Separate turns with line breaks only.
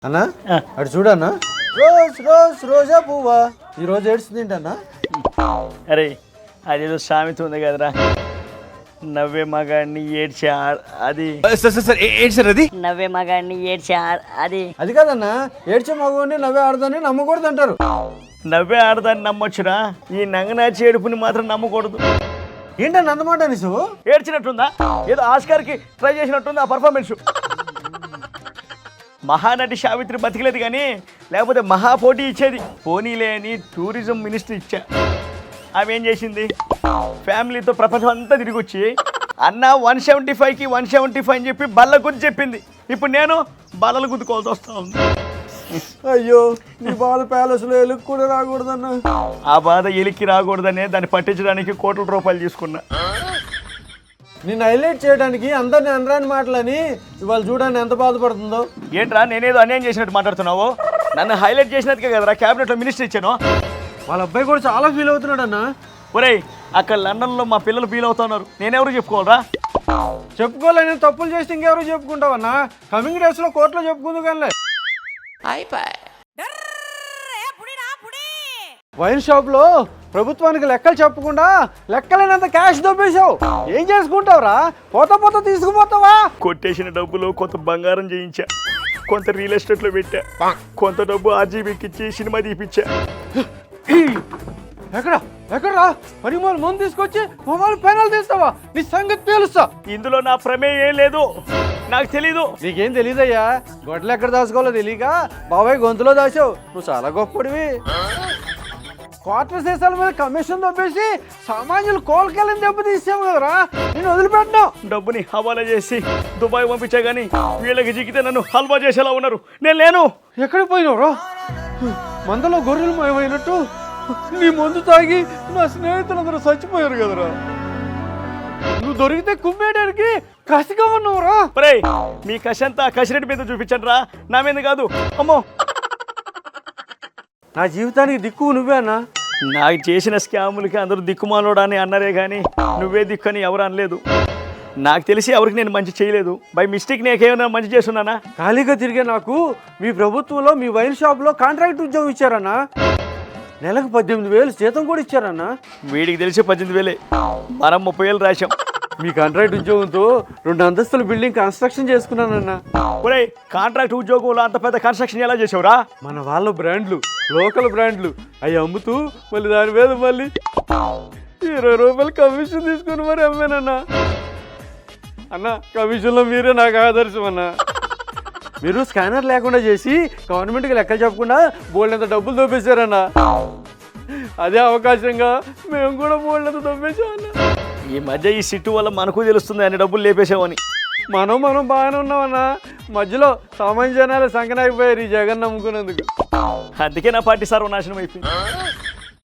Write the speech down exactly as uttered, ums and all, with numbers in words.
అన్నా అటు చూడన్నా రోజ్ రోజ్ రోజా పువ్వా ఈ రోజు ఏడ్చిందింటన్నా.
అరే అదేదో సామెత ఉంది కదరా, నవ్వే మగాడిని ఏడ్చే అది
ఏంటి సార్ అది?
నవ్వే మగాడిని ఏడ్చే అది
అది కాదన్నా, ఏడ్చే మగవాడిని నవ్వే ఆడదాన్ని నమ్మకూడదు అంటారు.
నవ్వే ఆడదాన్ని నమ్మొచ్చురా, ఈ నంగనాచి ఏడుపుని మాత్రం నమ్మకూడదు.
ఏంటన్నా అన్నమాట నీసు
ఏడ్చినట్టుందా, ఏదో ఆస్కార్కి ట్రై చేసినట్టుంది ఆ పర్ఫార్మెన్స్. మహానటి సావిత్రి బతికలేదు కానీ లేకపోతే మహా పోటీ ఇచ్చేది. పోనీలే అని టూరిజం మినిస్టర్ ఇచ్చా. ఆమె ఏం చేసింది, ఫ్యామిలీతో ప్రపంచం అంతా తిరిగి వచ్చి అన్న వన్ సెవెంటీ ఫైవ్కి వన్ సెవెంటీ ఫైవ్ అని చెప్పి బల్ల గుద్ది చెప్పింది. ఇప్పుడు నేను బల్లలు గుద్దుకోవాల్సి వస్తా ఉంది.
అయ్యో నీ బాధ ప్యాలెస్లో ఎలుగు కూడా రాకూడదన్నా.
ఆ బాధ ఎలికి రాకూడదనే దాన్ని పట్టించడానికి కోట్ల రూపాయలు తీసుకున్నా.
నిన్ను హైలైట్ చేయడానికి అందరిని అనరాని మాటలని ఇవాళ చూడండి ఎంత బాధపడుతుందో.
ఏంట్రా నేనేదో అన్యాయం చేసినట్టు మాట్లాడుతున్నావు? నన్ను హైలైట్ చేసినట్టుగా కదరా క్యాబినెట్లో మినిస్టర్ ఇచ్చాను.
వాళ్ళ అబ్బాయి కూడా చాలా ఫీల్ అవుతున్నాడు అన్న.
ఒరేయ్ అక్కడ లండన్లో మా పిల్లలు ఫీల్ అవుతున్నారు, నేనెవరు చెప్పుకోవాలరా?
చెప్పుకోలేని తప్పులు చేసి ఇంకెవరు చెప్పుకుంటావన్నా? కమింగ్ డేస్ లో కోర్టులో చెప్పుకుందు కానీ. వైన్ షాప్ లో ప్రభుత్వానికి లెక్కలు చెప్పకుండా లెక్కలేనంత క్యాష్ దొబ్బేశావు. ఏం చేసుకుంటావురా? పోతా పోతా తీసుకుపోతావా?
కొట్టేసిన డబ్బులు కొంత బంగారం చేయించా, కొంత రియల్ ఎస్టేట్లో పెట్టా, కొంత డబ్బు ఆర్జీబీకి ఇచ్చి సినిమా తీపిచ్చా.
ఎక్కడ ఎక్కడరా మరి వాళ్ళు ముందు తీసుకొచ్చి మొబైల్ పెనాలు తీస్తావా? నీ సంగతి తెలుస్తా.
ఇందులో నా ప్రమేయం ఏం లేదు, నాకు తెలీదు.
నీకేం తెలీదయ్యా, గొడ్లు ఎక్కడ దాచుకోవాలో తెలియక బాబాయ్ గొంతులో దాచావు. నువ్వు చాలా గొప్పడివి. క్వార్టర్ సీసాల మీద కమిషన్ దొబ్బేసి సామాన్యులు కోలుకెళ్ళని దెబ్బ తీసాము కదరా, నేను వదిలిపెట్టినా.
డబ్బుని హవాలా చేసి దుబాయ్ పంపించా కానీ వీళ్ళకి జిగితే నన్ను హల్వా చేసేలా ఉన్నారు. నేను లేను.
ఎక్కడికి పోయినావురా? మందలో గొర్రెలు మయమైనట్టు నీ మందు తాగి నా స్నేహితులందరూ చచ్చిపోయారు కదరా. నువ్వు దొరికితే కుమ్మేయడానికి కసిగా ఉన్నావురా.
ఒరేయ్ మీ కషంతా కసిరెడ్డి మీద చూపించండి రా, నా మీద కాదు. అమ్మో
నా జీవితానికి దిక్కు నువ్వే అన్నా.
నాకు చేసిన స్కాములకి అందరూ దిక్కుమాలోడా అని అన్నారే కానీ నువ్వే దిక్కు అని ఎవరు అనలేదు. నాకు తెలిసి ఎవరికి నేను మంచి చేయలేదు. బై మిస్టేక్ నేకేమైనా మంచి చేస్తున్నానా?
ఖాళీగా తిరిగే నాకు మీ ప్రభుత్వంలో మీ వైన్ షాప్లో కాంట్రాక్ట్ ఉద్యోగం ఇచ్చారన్నా. నెలకు పద్దెనిమిది వేలు జీతం కూడా ఇచ్చారన్నా.
వీడికి తెలిసి పద్దెనిమిది వేలే, మనం ముప్పై వేలు రాశాం.
మీ కాంట్రాక్ట్ ఉద్యోగంతో రెండు అంతస్తుల బిల్డింగ్ కన్స్ట్రక్షన్ చేసుకున్నానన్నా.
ఒరేయ్ కాంట్రాక్ట్ ఉద్యోగంలో అంత పెద్ద కన్స్ట్రక్షన్ ఎలా చేసావురా?
మన వాళ్ళ బ్రాండ్లు, లోకల్ బ్రాండ్లు అవి అమ్ముతూ మళ్ళీ దాని మీద మళ్ళీ ఇరవై రూపాయలు కమిషన్ తీసుకుని మరి అమ్మానన్నా. అన్న కమిషన్లో మీరే నాకు ఆదర్శం అన్న. మీరు స్కానర్ లేకుండా చేసి గవర్నమెంట్కి లెక్కలు చెప్పకుండా బోల్డంత డబ్బులు దొబ్బేశారన్నా. అదే అవకాశంగా మేము కూడా బోల్డంత దొబ్బేశామన్నా.
ఈ మధ్య ఈ సిట్టు వల్ల మనకు తెలుస్తుంది అన్ని డబ్బులు లేపేసామని.
మనం మనం బాగానే ఉన్నామన్నా, మధ్యలో సామాన్య జనాలు సంకనాగిపోయారు ఈ జగన్ నమ్ముకున్నందుకు.
అందుకే నా పార్టీ సర్వనాశనం అయిపోయింది.